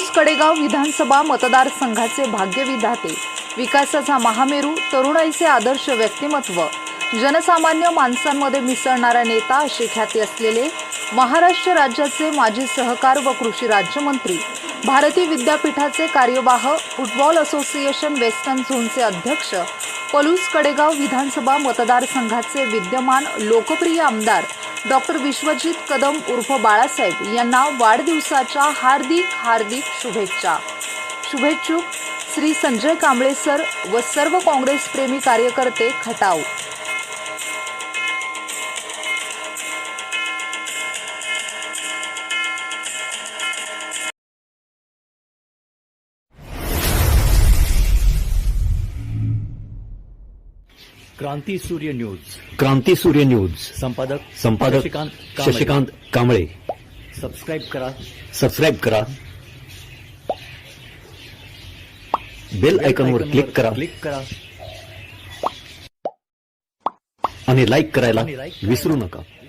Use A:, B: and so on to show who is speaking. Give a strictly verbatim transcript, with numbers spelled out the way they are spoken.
A: पलूस कडेगाव विधानसभा मतदारसंघाचे भाग्यविधाते, विकासाचा महामेरू, तरुणाईचे आदर्श व्यक्तिमत्व, जनसामान्य माणसांमध्ये मिसळणारा नेता अशी ख्याती असलेले महाराष्ट्र राज्याचे माजी सहकार व कृषी राज्यमंत्री, भारती विद्यापीठाचे कार्यवाह, फुटबॉल असोसिएशन वेस्टर्न झोनचे अध्यक्ष, पलूस कडेगाव विधानसभा मतदारसंघाचे विद्यमान लोकप्रिय आमदार डॉक्टर विश्वजित कदम उर्फ बाळासाहेब यांना वाढदिवसाच्या हार्दिक हार्दिक शुभेच्छा. शुभेच्छुक श्री संजय कांबळे सर व सर्व काँग्रेस प्रेमी कार्यकर्ते खटाव.
B: क्रांती सूर्य न्यूज.
C: क्रांती सूर्य न्यूज
B: संपादक
C: संपादक
B: शशिकांत कांबळे.
C: शशिकांत कांबळे.
B: सबस्क्राईब करा.
C: सबस्क्राईब करा. बेल आयकॉनवर क्लिक करा
B: क्लिक करा
C: आणि लाईक करायला
B: आणि like करायला
C: विसरू नका.